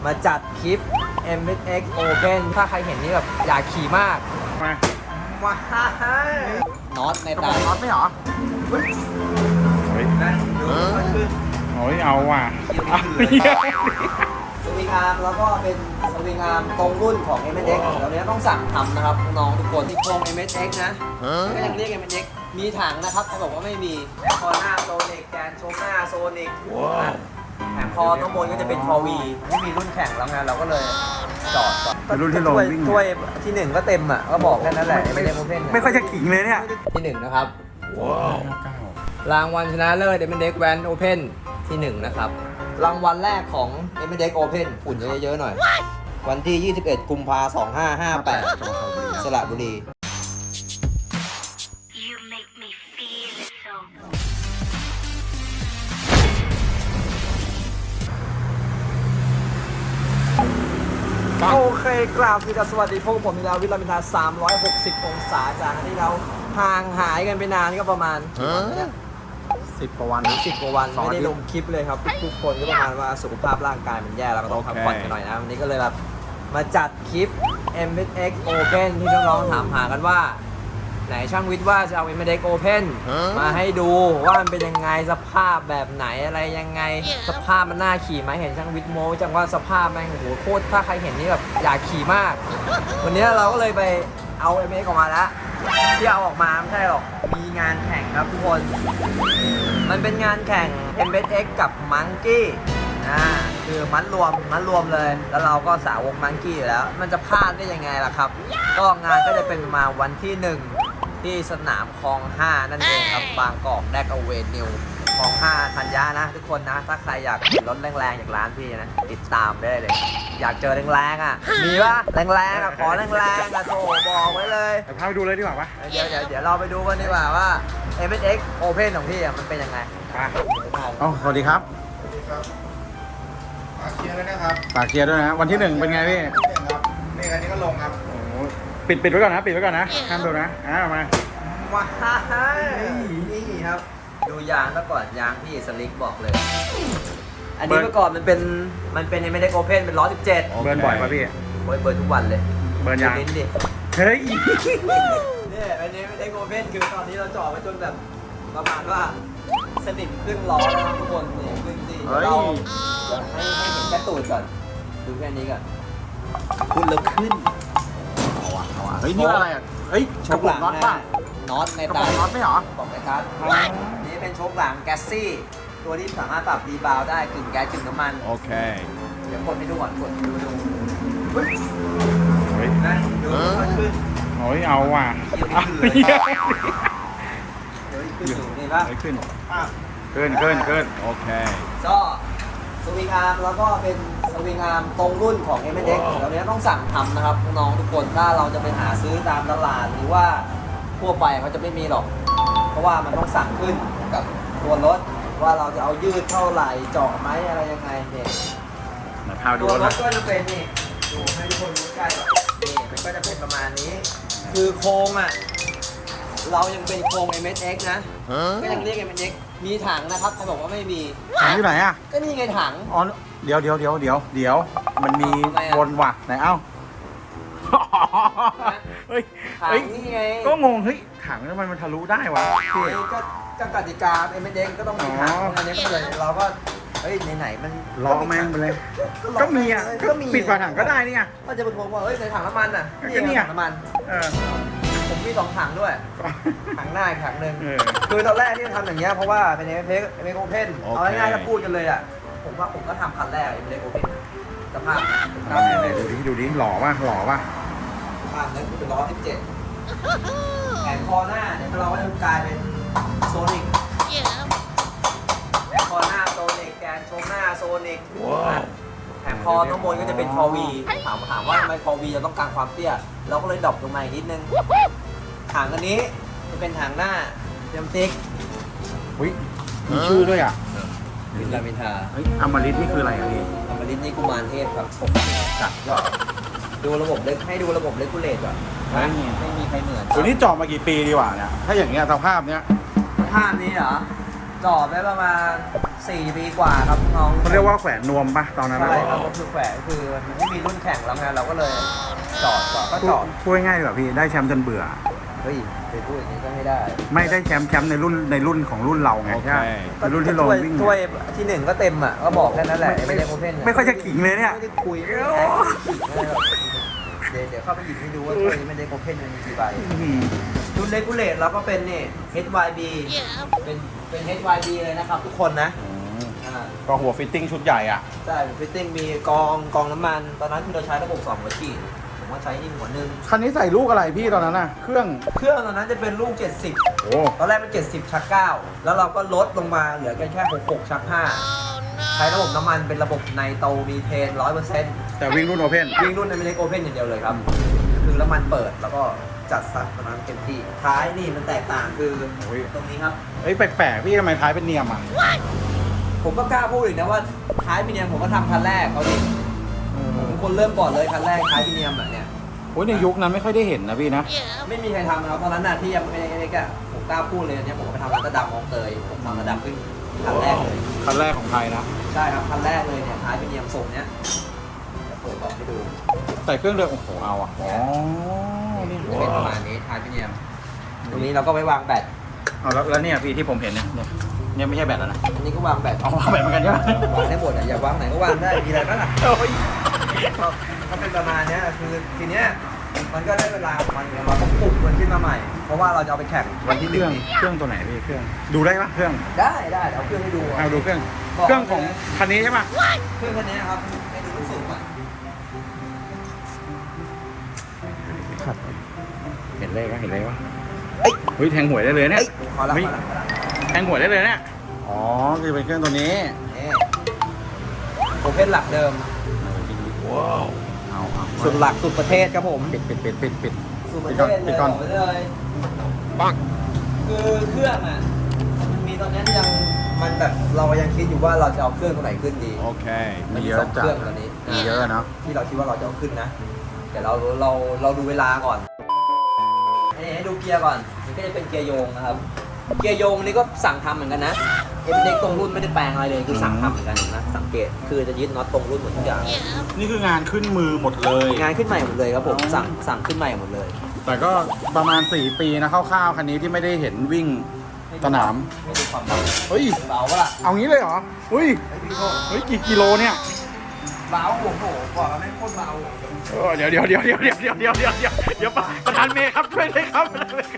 มาจัดคลิป MX Open ถ้าใครเห็นนี่แบบอยากขี่มากมาน็อตในตาน็อตไม่หรอเฮ้ยนะดูมันขึ้นโอ้ยเอาว่ะสวิงอาร์มแล้วก็เป็นสวิงอาร์มตรงรุ่นของ MX เราเนี้ยต้องสั่งทำนะครับน้องทุกคนที่โครง MX นะก็ยังเรียก MX มีถังนะครับเขาบอกว่าไม่มีคอหน้าโซนิกแกนโชว์หน้าโซนิกแถมคอข้างบนก็จะเป็นคอวีไม่มีรุ่นแข่งแล้วไงเราก็เลยจอดรุ่นที่ลงวิ่งถ้วยที่1ก็เต็มอ่ะก็บอกแค่นั้นแหละไม่ค่อยจะขิงเลยเนี่ยที่1นะครับรางวัลชนะเลิศ MX Van Open ที่1นะครับรางวัลแรกของ MX Open ฝุ่นเยอะๆหน่อยวันที่ 21 กุมภาพันธ์ 2558 สระบุรีโอเคกราบสวัสดีพวกผมมีแล้ววิลามินทา360 องศาจากที่เราห่างหายกันไปนานก็ประมาณ 10 กว่าวัน 10 กว่าวันไม่ได้ลงคลิปเลยครับทุกคนก็ประมาณว่าสุขภาพร่างกายมันแย่เราก็ต้องพักผ่อนกันหน่อยนะวันนี้ก็เลยแบบมาจัดคลิป MX Open ที่น้องๆถามหากันว่าไหนช่างวิทย์ว่าจะเอา MX Open มาให้ดูว่ามันเป็นยังไงสภาพแบบไหนอะไรยังไงสภาพมันน่าขี่ไหมเห็นช่างวิทย์โม้จังว่าสภาพแม่งโอ้โหโคตรถ้าใครเห็นนี่แบบอยากขี่มากวันนี้เราก็เลยไปเอา MX ออกมาแล้วที่เอาออกมาไม่ใช่หรอกมีงานแข่งครับทุกคนมันเป็นงานแข่ง MX กับ Monkey คือมัดรวมเลยแล้วเราก็สาวก Monkey อยู่แล้วมันจะพลาดได้ยังไงล่ะครับก็งานก็จะเป็นมาวันที่1ที่สนามคลอง 5นั่นเองครับบางกอกแดกเวนิวคลอง 5ธัญญานะทุกคนนะถ้าใครอยากเห็นรถแรงๆจากร้านพี่นะติดตามได้เลยอยากเจอแรงๆอ่ะมีปะแรงๆอ่ะขอแรงๆอ่ะโถบอกไว้เลยพาไปดูเลยดีกว่าปะเดี๋ยวเราไปดูกันดีกว่าว่า MX Open ของพี่มันเป็นยังไงสวัสดีครับฝากเชียร์ด้วยนะครับฝากเชียร์ด้วยนะวันที่1เป็นไงพี่นี่อันนี้ก็ลงครับปิดไว้ก่อนนะห้ามดูนะมานี่ครับดูยางซะก่อนยางพี่สลิกบอกเลยอันนี้เมื่อก่อนมันเป็น MX Open เป็น117เบิร์นบ่อยป่ะพี่เบิร์นทุกวันเลยเบิร์นยางดิเฮ้ยเนี่ยอันนี้ MX Open คือตอนนี้เราจ่อไว้จนแบบประมาณว่าสนิทครึ่งล้อแล้วทุกคนเนี่ยครึ่งซีเราให้เห็นแค่ตูดก่อนดูแค่นี้ก่อนคุณเริ่มขึ้นเฮ้ยนี่อะไรอ่ะเฮ้ยโชคหลังน็อตในตาน็อตไม่หรอบอกเลยครับนี่เป็นโชคหลังแก๊สซี่ตัวที่สามารถปรับรีบาวได้กึ่งแก๊สกึ่งน้ำมันโอเคเดี๋ยวกดให้ดูก่อนกดดูเฮ้ยนะดูมันขึ้นโอ้ยเอาว่ะนี่ป่ะขึ้นโอเคก็สวิงอาร์มแล้วก็เป็นสวิงอาร์มตรงรุ่นของ MX เราเนี้ยต้องสั่งทำนะครับน้องทุกคนถ้าเราจะไปหาซื้อตามตลาดหรือว่าทั่วไปเขาจะไม่มีหรอกเพราะว่ามันต้องสั่งขึ้นกับตัวรถว่าเราจะเอายืดเท่าไหร่เจาะไหมอะไรยังไงเนี่ยตัวรถก็จะเป็นนี่ดูให้ทุกคนดูใกล้นี่มันก็จะเป็นประมาณนี้คือโครงอ่ะเรายังเป็นโครง MX นะก็ยังเรียก MX มีถังนะครับเขาบอกว่าไม่มีถังอยู่ไหนอ่ะก็นี่ไงถังอ๋อเดี๋ยวมันมีวนว่ะไหนเอ้าเฮ้ยถังนี่ไงก็งงเฮ้ยถังทำไมมันทะลุได้วะก็กติกา MX ก็ต้องมีถังอันนี้ก็เลยเราก็เฮ้ยไหนมันล้อแม่งไปเลยก็มีอ่ะก็ปิดฝาถังก็ได้นี่ไงก็จะเป็นผมว่าเฮ้ยในถังน้ำมันอ่ะนี่ถังน้ำมันผมมี2ถังด้วยถังหน้าอีกถังหนึ่งคือตอนแรกที่ทำอย่างเงี้ยเพราะว่าเป็น MX Open เอาง่ายๆถ้าพูดกันเลยอ่ะผมก็ทำคันแรก MX Open สภาพดูดิหล่อป่ะสภาพนั้นคือเป็น117แผงคอหน้าเนี่ยเราก็จะกลายเป็นโซนิกแผงคอหน้าโซนิกแกนโชว์หน้าโซนิกแผงคอข้างบนก็จะเป็นคอวีถามว่าทำไมคอวีจะต้องการความเตี้ยเราก็เลยดรอปลงมาอีกนิดนึงถังอันนี้จะเป็นถังหน้าเยมติ๊กมีชื่อด้วยอ่ะวิลามินทาอมฤตนี่คืออะไรอ่ะพี่อมฤตนี่กุมารเทพครับจัดก็ดูระบบเล็กให้ดูระบบเลกูเลตก่อนไม่มีใครเหมือนตัวนี้จอดมากี่ปีดีกว่าเนี่ยถ้าอย่างเงี้ยสภาพเนี้ยสภาพนี้เหรอจอดได้ประมาณ 4 ปีกว่าครับน้องเขาเรียกว่าแขวนนวมปะตอนนั้นใช่ครับก็คือแขวนคือมันไม่มีรุ่นแข่งแล้วไงเราก็เลยจอดก็จอดพูดง่ายๆดีกว่าพี่ได้แชมป์จนเบื่อเฮ้ยไปพูดอย่างนี้ก็ไม่ได้ไม่ได้แชมป์ในรุ่นของรุ่นเราไงใช่ไหมในรุ่นที่เราวิ่งถ้วยที่ 1ก็เต็มอ่ะก็บอกแค่นั้นแหละไม่ได้โอเพ่นไม่ค่อยจะขิงเลยเนี่ยไม่ได้คุยไม่ได้แท็กเดี๋ยวเข้าไปหยิบให้ดูว่าถ้วยนี้ไม่ได้โอเพ่นมันมีกี่ใบรุ่นเลกูเลตเราก็เป็นนี่ HYB เป็น HYB เลยนะครับทุกคนนะก็หัวฟิตติ้งชุดใหญ่อ่ะใช่ฟิตติ้งมีกองน้ำมันตอนนั้นที่เราใช้ระบบ2หัวฉีดผมว่าใช้นี่หัวหนึ่งคันนี้ใส่ลูกอะไรพี่ตอนนั้นน่ะเครื่องตอนนั้นจะเป็นลูก 70 โอ้ตอนแรกเป็น70 ชัก 9 แล้วเราก็ลดลงมาเหลือแค่66 ชัก 5 ใช้ระบบน้ำมันเป็นระบบไนโตรมีเทน 100% แต่วิ่งรุ่นโอเพ่นวิ่งรุ่นในไม่ได้โอเพ่นอย่างเดียวเลยครับ คือน้ำมันเปิดแล้วก็จัดซัดตอนนั้นเต็มที่ท้ายนี่มันแตกต่างคือตรงนี้ครับเอ้ยแปลกๆพี่ทำไมท้ายเป็นเนียมอ่ะผมก็กล้าพูดอีกนะว่าท้ายพิเนียมผมก็ทำคันแรกเอาดิผมเป็นคนเริ่มก่อนเลยคันแรกท้ายพิเนียมแบบเนี้ยโอ้ยในยุคนั้นไม่ค่อยได้เห็นนะพี่นะไม่มีใครทำนะครับตอนนั้นน่ะที่ยังไม่ได้ก็ผมกล้าพูดเลยอันเนี้ยผมก็ไปทำร้านกระดำมองเตยผมทำกระดำขึ้นคันแรกเลยคันแรกของไทยนะใช่ครับคันแรกเลยเนี่ยท้ายพิเนียมทรงเนี้ยจะเปิดบอกให้ดูใส่เครื่องเดิมโอ้โหเอาอ่ะอ๋อนี่จะเป็นประมาณนี้ท้ายพิเนียมตรงนี้เราก็ไว้วางแบตเอาแล้วเนี่ยพี่ที่ผมเห็นเนี่ยไม่ใช่แบตแล้วนะอันนี้ก็วางแบตเอาแบตเหมือนกันใช่ไหมวางได้หมดอ่ะอยากวางไหนก็วางได้มีอะไรบ้างล่ะก็เป็นประมาณเนี้ยคือทีเนี้ยมันก็ได้เวลาของมันเนี่ยเราต้องปลุกมันขึ้นมาใหม่ เพราะว่าเราจะเอาไปแข่งวันที่เคหนึ่รื่องงเครื่องตัวไหนพี่เครื่องดูได้ปะเครื่องได้เอาเครื่องให้ดูเอาดูเครื่องของคันนี้ใช่ปะเครื่องคันนี้ครับให้ดูลูกสูงก่อนเห็นเลขวะเฮ้ยแทงหวยได้เลยเนี่ยพอแล้วแทงหวยได้เลยเนี่ยอ๋อคือเป็นเครื่องตัวนี้นี่โอเพ่นหลักเดิมว้าวเอาสุดหลักสุดประเทศครับผมปิดสุดประเทศเลยบอกไปเลยปังคือเครื่องอ่ะมันมีตอนนี้ยังมันแบบเรายังคิดอยู่ว่าเราจะเอาเครื่องตัวไหนขึ้นดีโอเคมันมีมีเยสอะองจัเคดรื่องตอนนี้มีเยอะเนาะที่เราคิดว่าเราจะเอาขึ้นนะเดี๋ยวเราดูเวลาก่อนให้ดูเกียร์ก่อนนี่ก็จะเป็นเกียร์โยงนะครับ เกียร์โยงนี่ก็สั่งทำเหมือนกันนะเอ็มเด็กตรงรุ่นไม่ได้แปลงอะไรเลยคือสั่งทำเหมือนกันนะสังเกตคือจะยึดน็อตตรงรุ่นหมดทุกอย่างนี่คืองานขึ้นมือหมดเลยงานขึ้นใหม่หมดเลยครับผมสั่งขึ้นใหม่หมดเลยแต่ก็ประมาณ4 ปีนะคร่าวๆคันนี้ที่ไม่ได้เห็นวิ่งสนามไม่ดูความเบาเฮ้ยเบาปะล่ะเอางี้เลยเหรอเฮ้ย เฮ้ยกี่กิโลเนี่ยเบาโอ้โหบอกแล้วไม่งโคตรเบาเดี๋ยวประธานเมย์ครับช่วยเลยครับ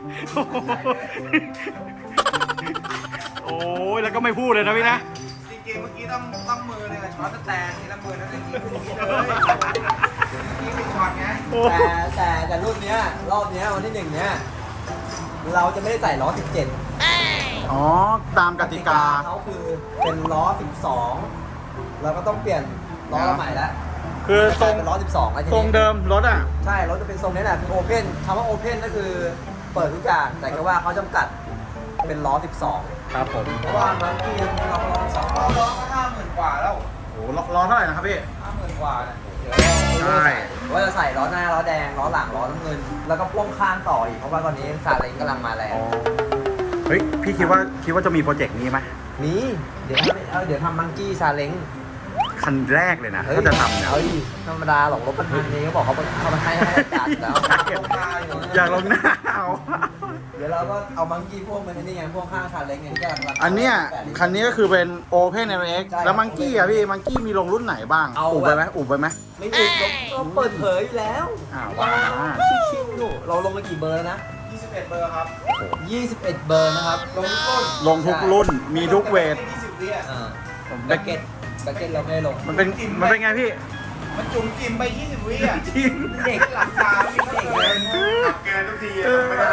โอ้ยแล้วก็ไม่พูดเลยนะพี่นะจริงๆเมื่อกี้ต้องมือเลยช้อนแต่ทีละมือนั่นเองนี่เลยนี่เป็นช็อตไงแต่รุ่นเนี้ยรอบเนี้ยวันที่1เนี้ยเราจะไม่ได้ใส่ล้อ 17 อ๋อตามกติกาเขาคือเป็นล้อ 12 เราก็ต้องเปลี่ยนล้อใหม่แล้วคือทรงเป็นล้อ 12แล้วทีทรงนี้เดิมรถอ่ะใช่รถจะเป็นทรงนี้แหละคือโอเพ่นคำว่าโอเพ่นก็คือเปิดทุกอย่างแต่แค่ว่าเขาจำกัดเป็นล้อ 12 ครับผมเพราะว่าบางทีเราล้อ2ล้อร้องก็50,000 กว่าแล้วโอ้ล้อเท่าไหร่นะครับพี่ 50,000 กว่าเนี่ยเดี๋ยวว่าจะใส่ล้อหน้าล้อแดงล้อหลังล้อน้ำเงิน แล้วก็พ่วงข้างต่ออีกเพราะว่าตอนนี้ซาเล้งกำลังมาแรงเฮ้ยพี่คิดว่าจะมีโปรเจกต์นี้ไหมนี่เดี๋ยวทำมังกี้ซาเล้งคันแรกเลยนะถ้าจะทำเนี่ยเฮ้ยธรรมดาหรอกรถบรรทุกนี้เขาบอกเขามาให้จัดแล้วอยากลงหน้าเอาเดี๋ยวเราก็เอามังกี้พวกมันนี่ไงพวกข้างซาเล้งไงที่กำลังอันเนี้ยคันนี้ก็คือเป็น Open LX ใช่แล้วมังกี้อ่ะพี่มังกี้มีลงรุ่นไหนบ้างเอาอุบไปไหมอุบไปไหมไม่ถูกเราเปิดเผยอยู่แล้วอ้าวว้าชิวๆอยู่เราลงไปกี่เบอร์แล้วนะ 21 เบอร์ครับ 21 เบอร์นะครับลงทุกรุ่นลงทุกรุ่นมีทุกเวท 20 วิอ่ะแบ็กเก็ตเราไม่ได้ลงมันเป็นไงพี่มันจุ่มจิ้มไป 20 วิอ่ะจริงเด็กหลักตาไม่เด็กเลยเกินทุกทีไม่ได้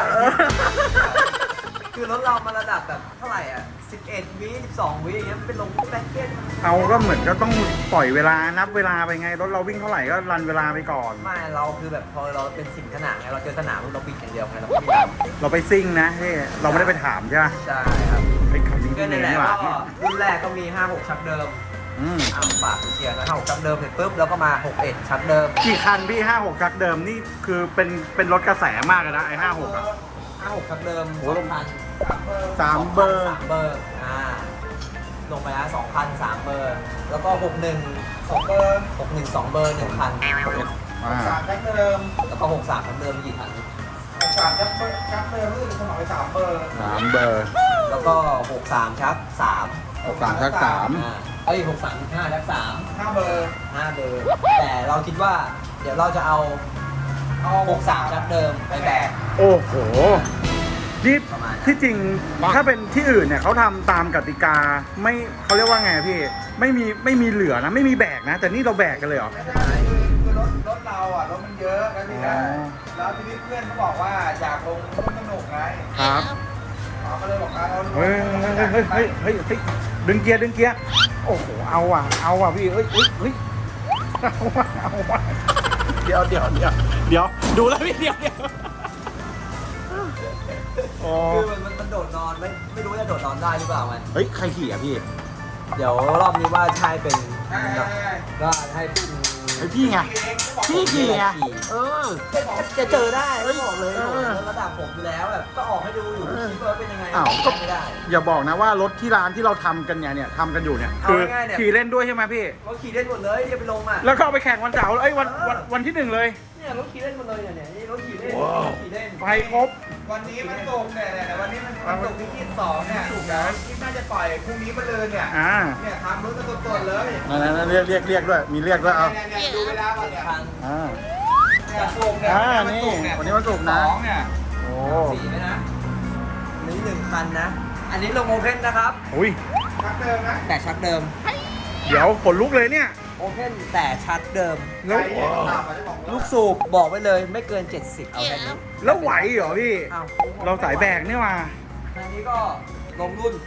คือรถเรามาระดับแบบเท่าไหร่อ่ะ11 วิ12 วิอย่างเงี้ยมันเป็นลงแบ็กเก็ตเอาก็เหมือนก็ต้องปล่อยเวลานับเวลาไปไงรถเราวิ่งเท่าไหร่ก็รันเวลาไปก่อนไม่เราคือแบบพอเราเป็นสิ่งขนาดไงเราเจอสนามเราบิดอย่างเดียวไงเราไม่ได้เราไปซิ่งนะพี่เราไม่ได้ไปถามใช่ไหมใช่ครับไอ้คันนี้ก็ที่นั่นแหละนี่หว่าก็รุ่นแรกก็มี 56 ชักเดิมอืมปากเชียร์นะ56ชักเดิมเสร็จปุ๊บแล้วก็มา 61 ชักเดิมกี่คันพี่56จักรเดิมนี่คือเป็นรถกระแสมากเลยนะไอ้56อ่ะ 56ชักเดิมโอ้โห 2,000 3 เบอร์ 3 เบอร์ลงไปแล้ว2,000 3 เบอร์ แล้วก็ 61 2 เบอร์ 61 2 เบอร์ 1 คันสามชักเดิมแล้วก็ 63คันเดิมกี่คันสามชักเดิมรู้สึกสมัครไป3 เบอร์ 3 เบอร์แล้วก็ 63 ชัก 3 3ชัก3 เอ้ย63 5 ชัก 5 เบอร์ 3 5 เบอร์ แต่เราคิดว่าเดี๋ยวเราจะเอา 63 ชักเดิมไปแบกโอ้โหนี่ประมาณนั้นที่จริงถ้าเป็นที่อื่นเนี่ยเขาทำตามกติกาไม่เขาเรียกว่าไงพี่ไม่มีเหลือนะไม่มีแบกนะ แต่นี่เราแบกกันเลยเหรอไม่ได้คือรถเราอ่ะรถมันเยอะแล้วทีนี้แล้วทีนี้เพื่อนเขาบอกว่าอยากลงร่วมสนุกไงครับเขาก็เลยบอกเอาเฮ้ยดึงเกียร์โอ้โหเอาว่ะพี่เฮ้ยเอาว่ะเดี๋ยวดูแล้วพี่เดี๋ยวอ๋อคือมันโดดนอนไม่รู้ว่าจะโดดนอนได้หรือเปล่ามันเฮ้ยใครขี่อ่ะพี่เดี๋ยวรอบนี้ว่าใช่เป็นใช่ก็ให้พี่ไอพี่ไงพี่ขี่ไงจะเจอได้เฮ้ไม่ยบอกเลยเออระดับผมอยู่แล้วแบบก็ออกให้ดูอยู่คิดว่าเป็นยังไงอ้าวก็ไม่ได้อย่าบอกนะว่ารถที่ร้านที่เราทำกันเนี่ยทำกันอยู่เนี่ยเอาคือง่ายๆเนี่ยขี่เล่นด้วยใช่ไหมพี่รถขี่เล่นหมดเลยที่ไปลงอ่ะแล้วก็เอาไปแข่งวันเสาร์เอ้ยวันที่ 1เลยเนี่ยรถขี่เล่นหมดเลยเนี่ยนี่รถขี่เล่นว้าวรถขี่เล่นไฟครบวันนี้มันส่งเนี่ยแต่วันนี้มันส่งที่22เนี่ยถูกแล้วที่น่าจะปล่อยพรุ่งนี้มาเลยเนี่ยอ่าเนี่ยทำรถกันสดๆเลยนั่นเรียกด้วยมีเรียกด้วยเอาเนี่ยดูเวลาก่อนเนี่ยคันอ่าเนี่ยส่งเนี่ยนี่วันนี้วันศุกร์นะ 12เนี่ยโอ้สีไหมนะนี่1 คันนะ อันนี้ลงโอเพนนะครับอุ้ยชักเดิมนะแต่ชักเดิมเดี๋ยวขนลุกเลยเนี่ยโอเพนแต่ชักเดิมแล้วใครเนี่ยตามมาได้บอกว่าลูกสูบบอกไว้เลยไม่เกิน 70 เอาแค่นี้แล้วไหวเหรอพี่อ้าวเราสายแบกนี่มาอันนี้ก็ลงรุ่น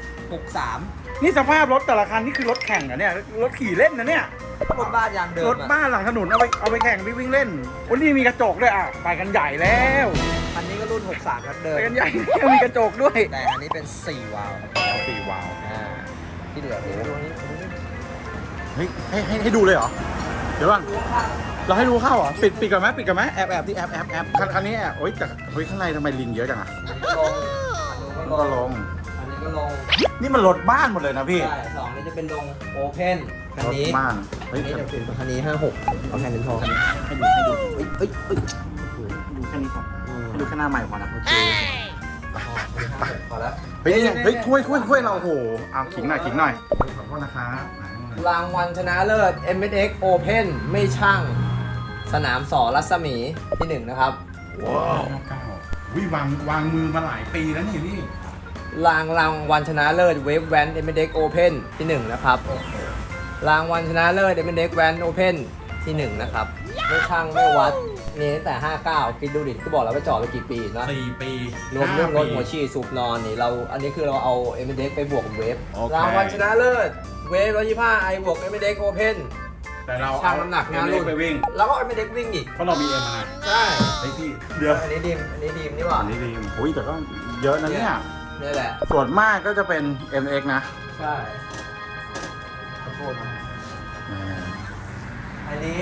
63 นี่สภาพรถแต่ละคันนี่คือรถแข่งเหรอะเนี่ยรถขี่เล่นนะเนี่ยรถบ้านยางเดิมรถบ้านหลังถนนเอาไปแข่งวิ่งเล่นวันนี้มีกระจกด้วยอ่ะไปกันใหญ่แล้วอันนี้ก็รุ่น 63ครับเดิมไปกันใหญ่แล้วมีกระจกด้วยแต่อันนี้เป็น 4 วาล์วครับ 4 วาล์วที่เหลือเป็นตัวนี้เฮ้ยให้ดูเลยเหรอเดี๋ยวก่อนเราให้ดูเข้าเหรอปิดก่อนไหมแอบที่แอบคันนี้แอบโอ๊ยแต่เฮ้ยข้างในทำไมลิงเยอะจังอ่ะลงก็ลงอันนี้ก็ลงนี่มันรถบ้านหมดเลยนะพี่ใช่สองนี้จะเป็นลงโอเพนคันรถนี้บ้านเฮ้อัยนนี้จะเป็นคันนี้56เอาแค่นี้พอให้ดูเอ้ยดูแค่นี้พอให้ดูแค่หน้าใหม่พอนะโอเคพอแล้วเฮ้ยเนี่ยเฮ้ยถ้วยเราโอ้โหเอาขิงหน่อยขอโทษนะครับรางวัลชนะเลิศ MSX Open ไม่ช่างสนามสอรัศมีที่ 1 นะครับว้าววิวางมือมาหลายปีแล้วนี่พี่รางวัลชนะเลิศเวฟแวน MSX Open ที่ 1 นะครับ รางวัลชนะเลิศ MSX Van Open ที่ 1 นะครับ ไม่ช่างไม่วัดนี่ตั้งแต่ 59 คิดดูดิก็บอกแล้วว่าจอดไปกี่ปีนะ 4 ปีรวมเรื่องรถหัวฉีดสูบนอนนี่อันนี้คือเราเอา MSX ไปบวกกับเวฟโอเครางวัลชนะเลิศเวฟ125 i บวก MSX Open แต่เราช่างน้ำหนักงานรุ่นไปวิ่งแล้วก็ MSX วิ่งอีกเพราะเรามีเอ็มมาใช่ไอพี่เดี๋ยวอันนี้ดีมนี่หว่าอันนี้ดีโอ้ยแต่ก็เยอะนะเนี่ยนี่แหละส่วนมากก็จะเป็น MX นะใช่ขอโทษนะอันนี้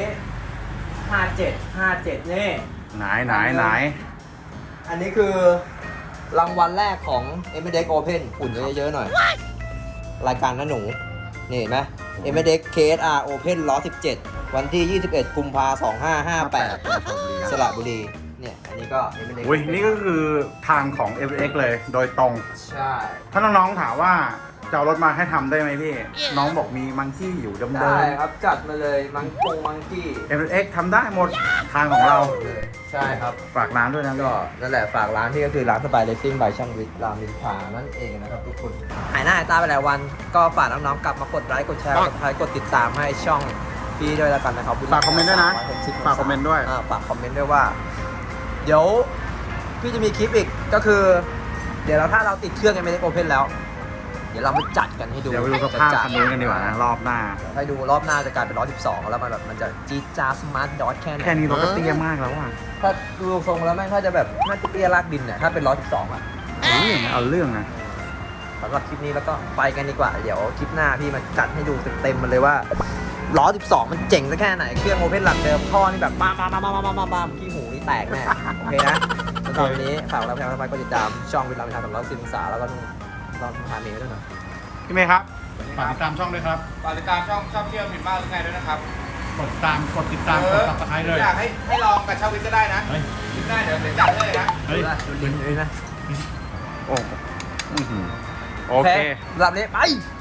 57นี่ไหนอันนี้คือรางวัลแรกของ MSX Open ฝุ่นเยอะๆหน่อย รายการน้าหนู นี่เห็นไหม MSX KSR Open 117 วันที่ 21 กุมภาพันธ์ 2558 สระบุรี เนี่ย อันนี้ก็ MSX อุ้ยนี่ก็คือทางของ MX เลยโดยตรงใช่ถ้าน้องๆถามว่าจะเอารถมาให้ทำได้ไหมพี่ น้องบอกมีมังคี่อยู่เดิมได้ครับ จัดมาเลยมังกี้ MX ทำได้หมดทางของเราเลยใช่ครับฝากร้านด้วยนะก็นั่นแหละฝากร้านที่ก็คือร้านสบายเลสซิ่งบายช่างวิทย์รามอินทรานั่นเองนะครับทุกคนหายหน้าหายตาไปหลายวันก็ฝากน้องๆกลับมากดไลค์กดแชร์กดติดตามให้ช่องพี่ด้วยแล้วกันนะครับฝากคอมเมนต์ด้วยนะฝากคอมเมนต์ด้วยฝากคอมเมนต์ด้วยว่า เดี๋ยวพี่จะมีคลิปอีกก็คือ เดี๋ยวถ้าเราติดเครื่องกันไม่ได้โอเพนแล้ว เดี๋ยวเรามาจัดกันให้ดูเดี๋ยวไปดูสภาพคันนู้นกันดีกว่านะรอบหน้าให้ดูรอบหน้าจะกลายเป็น112แล้วมันจะจี๊ดจ้าสมาร์ทดอทแค่ไหนแค่นี้รถก็เตี้ยมากแล้วอ่ะถ้าดูทรงแล้วแม่งถ้าจะแบบน่าจะเตี้ยลากดินเนี่ยถ้าเป็น112อ่ะเอาเรื่องนะสำหรับคลิปนี้แล้วก็ไปกันดีกว่า เดี๋ยวคลิปหน้าพี่มาจัดให้ดูเต็มๆมันเลยว่า112มันเจ๋งสักแค่ไหนเครื่องโอเพนหลักเดิมท่อนี่แบบบ้ามขี้หูนี่แตกแน่โอเคนะสำหรับวันนี้ฝากเราแพงทำไมก็ติดตามช่องวิลามินทากับเราซิมสาแล้วก็ต้องพาเมย์ด้วยหน่อยพี่เมย์ครับฝากติดตามช่องด้วยครับฝากติดตามช่องเที่ยวผิดมากหรือไงด้วยนะครับกดติดตามกดซับสไครต์เลยอยากให้ลองกับชาววิทย์ก็ได้นะเฮ้ยคิดได้เดี๋ยวจัดเลยนะเฮ้ยดูลิ้นเลยนะโอ้โอเคสำหรับนี้ไป